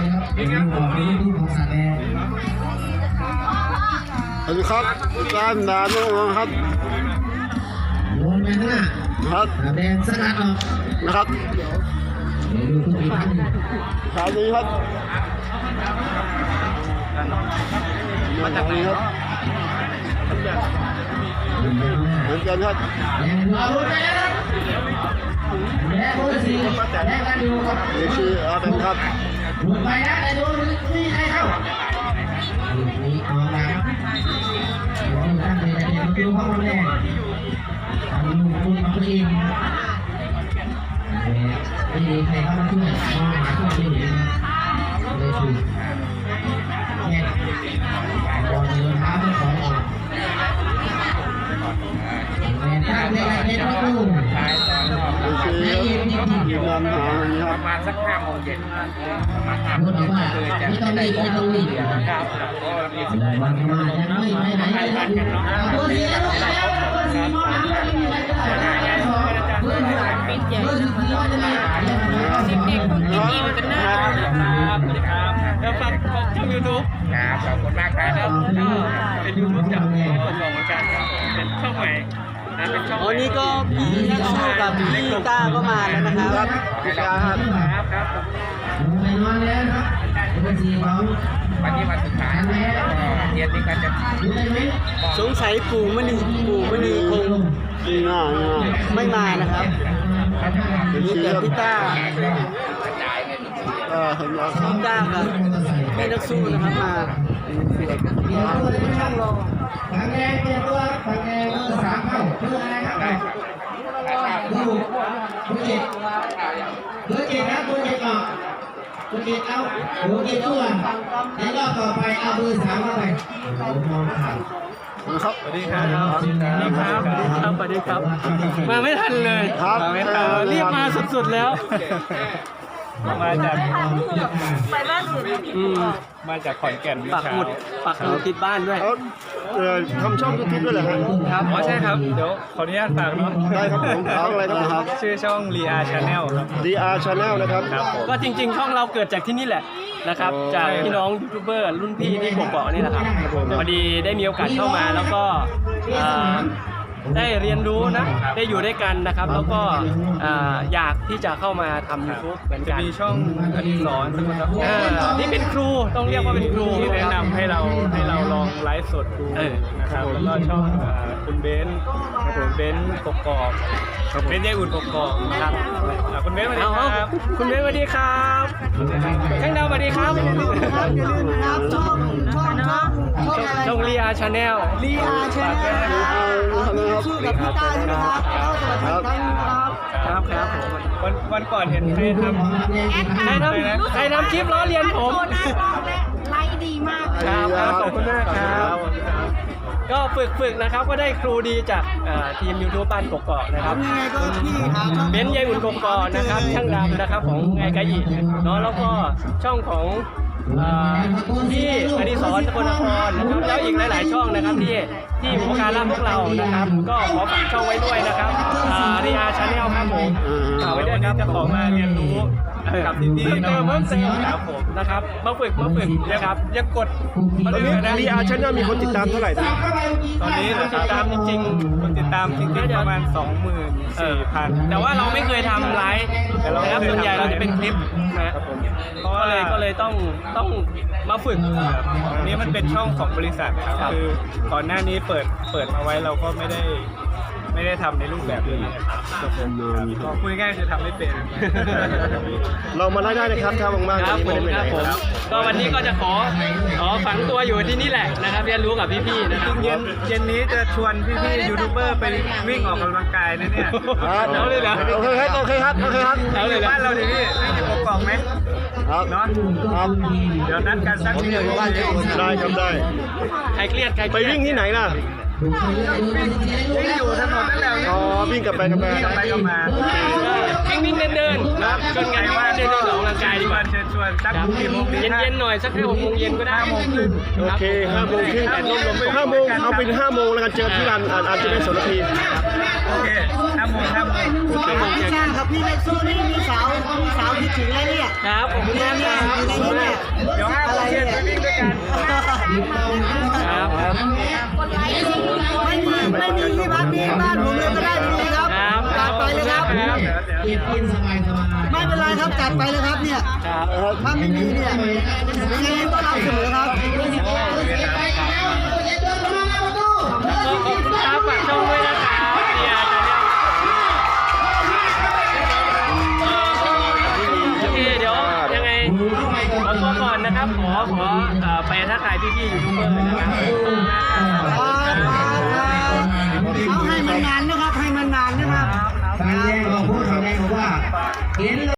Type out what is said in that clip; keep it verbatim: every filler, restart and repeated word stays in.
สวัสดีครับการด่านน้องครับโดนไปข้างหน้าครับแดงสกัดออกนะครับดูทุกทีครับสวัสดีครับมาจากไหนครับเหมือนกันครับแดงเราไปแล้วแดงโอ้ยสี่แดงกันอยู่ครับนี่คืออาเป็นครับหลุดไปนะแต่โดนนี่ใครเข้านี่ออกแล้วตั้งใจจะเดินคิวเข้ามาแดงทำลูกคุณมาเองไม่ดีใครเข้ามาช่วยมองหาช่วยดีเลยคือแค่บอลเดินเท้าไปขอออกตั้งใจจะเดินประตูนี่คือนำหาอย่างนี้ครับประมาณสักห้าโมงเย็นประมาณห้าโมพูงดเย็นว่าเลยจะไม่ต้องรีบไม่ต้องรีบครับก็มีสิทธิ์วันมาจะไม่ไม่ไหนไม่ทันกันเนาะเบอร์สี่แล้วแล้วเบอร์สี่มาแล้วไม่มีอะไรก็ได้เบอร์สี่ปิดเจ็บเบอร์สี่ว่าจะไม่เด็กๆพี่พี่มันเป็นหน้าครับครับแล้วฝากช่องยูทูบครับขอบคุณมากครับเป็นยูทูบจากช่องเหมือนกันเป็นช่องใหม่เป็นช่องวันนี้ก็พี่สู้กับพี่ต้าก็มาแล้วนะครับพี่กาครับครับครับไปนอนแล้วครับเบอร์สี่ของวันนี้วันสุดท้ายเย็นนี้ก็จะดูได้ไหมสงสัยปู่มณีปู่มณีคงนี่หน้านี่หน้าไม่มานะครับเป็นมีชื่อแต่ครับพี่ต้าอ่าเห็นแล้วครับพี่ต้ากับพี่นักสู้นะครับมาเดี๋ยวตัวในช่องรอบางแดงเปลี่ยนตัวบางแดงเบอร์สามเข้าเบอร์อะไรครับเบอร์หกเบอร์เจ็ดเบอร์เจ็ดนะเบอร์เจ็ดออกเบอร์เจ็ดเอาเบอร์เจ็ดตัวในรอบต่อไปเอาเบอร์สามเข้าไปมองผ่านครับสวัสดีครับสวัสดีครับสวัสดีครับสวัสดีครับมาไม่ทันเลยครับมาไม่ทันรีบมาสุดๆแล้วมาจากไปบ้านอื่นอืมมาจากขอนแก่นปักหมุดปักหมุดติดบ้านด้วยเขาเอ่อทำช่องยูทูบด้วยเหรอครับครับอ๋อใช่ครับเดี๋ยวขออนุญาตฝากเนาะได้ครับผมช่องอะไรครับชื่อช่อง Ria Channel ครับดี อาร์ Channel นะครับครับผมก็จริงๆ ช่องเราเกิดจากที่นี่แหละนะครับ จากพี่น้องยูทูบเบอร์รุ่นพี่ที่กบเกาะนี่แหละครับพอดีได้มีโอกาสเข้ามาแล้วก็อ่าได้เรียนรู้นะได้อยู่ด้วยกันนะครับ แล้วก็อ่าอยากที่จะเข้ามาทำ YouTube เหมือนจะกันมีช่องอดิศรสกุลทรัพย์อ่านี่เป็นครูต้องเรียกว่าเป็นครูที่แนะนำให้เราให้เราลองไลฟ์สดดูเออนะครับแล้วก็ช่องอ่าคุณเบนซ์คุณเบนซ์กกอกเบนซ์ยายอุ่นกกอกครับอ่าคุณเบนซ์สวัสดีเอาครับคุณเบนสวัสดีครับช่างดาวสวัสดีครับอย่าลืมนะครับช่องช่องช่องช่องอะไรช่องเรียชาแนลลีอาร์ชาแนลนะครับชื่อกับพี่ต้าด้วยนะครับสวัสดีครับครับครับผมวันวันก่อนเห็นใครทำใครทำใครทำคลิปล้อเลียนผมไลฟ์ดีมากครับครับขอบคุณมากครับ ก็ฝึกฝึกนะครับก็ได้ครูดีจากเอ่อทีมยูทูบบ้านกกอกนะครับยังไงก็พี่หาช่องเบนซ์ยายอุ่นกกอกนะครับช่างดำนะครับของไงกะอีเนาะแล้วก็ช่องของเอ่อที่อดิศรสกลนครนะครับแล้วอีกหลายๆช่องนะครับที่ที่อุปการะพวกเรานะครับ ก็ขอฝากช่องไว้ด้วยนะครับเรียชาแนลครับผมฝากไว้ด้วยครับจะขอมาเรียนรู้กับที่นี่เพิ่มเติมเพิ่มเติมครับผมนะครับมาฝึกมาฝึกนะครับยังกดตอนนี้ดี อาร์ Channel มีคนติดตามเท่าไหร่นะตอนนี้คนติดตามจริงๆคนติดตามจริงๆประมาณ สองหมื่นสี่พันแต่ว่าเราไม่เคยทำไลฟ์แต่เรานะครับส่วนใหญ่เราจะเป็นคลิปนะเพราะก็ว่าเลยก็เลยต้องต้องมาฝึกอันนี้มันเป็นช่องของบริษัทครับครับคือก่อนหน้านี้เปิดเปิดมาไว้เราก็ไม่ได้ไม่ได้ทำในรูปแบบนี้ครับผมก็พูดง่ายๆคือทำไม่เป็นเรามาได้ได้นะครับถ้าว่างๆครับผมไม่คได้รับไปผไหนมก็วันนี้ก็จะขอขอฝังตัวอยู่ที่นี่แหละนะครับเรียนรู้กับพี่ๆนะครับเย็นเย็นนี้จะชวนพี่ๆยูทูบเบอร์ไปวิ่งออกกำลังกายนะเนี่ยครับเอาเลยเหรอโอเคครับโอเคครับโอเคครับเอาเลยเหรอบ้านเราดิพี่วิ่งอยู่กอกๆไหมครับเนาะครับเดี๋ยวนัดกันสักทีหนึ่งได้ครับได้ใครเครียดใครเคไปรียดวิ่งที่ไหนล่ะวิ่งอยู่ถนนนั่นแหละอ๋อวิ่งกลับไปกลับมาวิ่งไปก็มาวิ่งวิ่งเดินเดินๆนะชวนกันว่าเดินเดินออกกำลังกายดีกว่าเชิญชวนสักกี่โมงดีเย็นเย็นๆหน่อยสักแค่หกโมงเย็นก็ได้ห้าโมงครึ่งโอเคห้าโมงครึ่งแดดร่มๆห้าโมงเอาเป็นห้าโมงแล้วกันเจอที่ร้านอาจอาจจะเป็นสองนาทีโอเคห้าโมงห้าโมงห้าโมงเย็นใช่ครับพี่เล็กสู้นี่มีสาวมีสาวคิดถึงแล้วเนี่ยครับขอบคุณมากครับอยู่ในนี้เนี่ยเดี๋ยวห้าโมงเย็นไปวิ่งด้วยกันครับครับไม่มีไม่มีที่พักมีบ้านผมเลยก็ได้ดีครับครับจัดไปเลยครับครับเก็บกินสบายสบายไม่เป็นไรครับจัดไปเลยครับเนี่ยครับถ้าไม่มีเนี่ยยังไงก็รับเสมอครับก็ขอบคุณครับฝากช่องด้วยนะครับเนี่ยจะเนี่ยโอเคเดี๋ยวยังไงขอตัวก่อนนะครับขอขอเอ่อไปทักทายพี่ๆยูทูบเบอร์นะครับเอาให้มันนานนะครับให้มันนานนะครับทางแยกบอกพูดทางแยกบอกว่าเห็น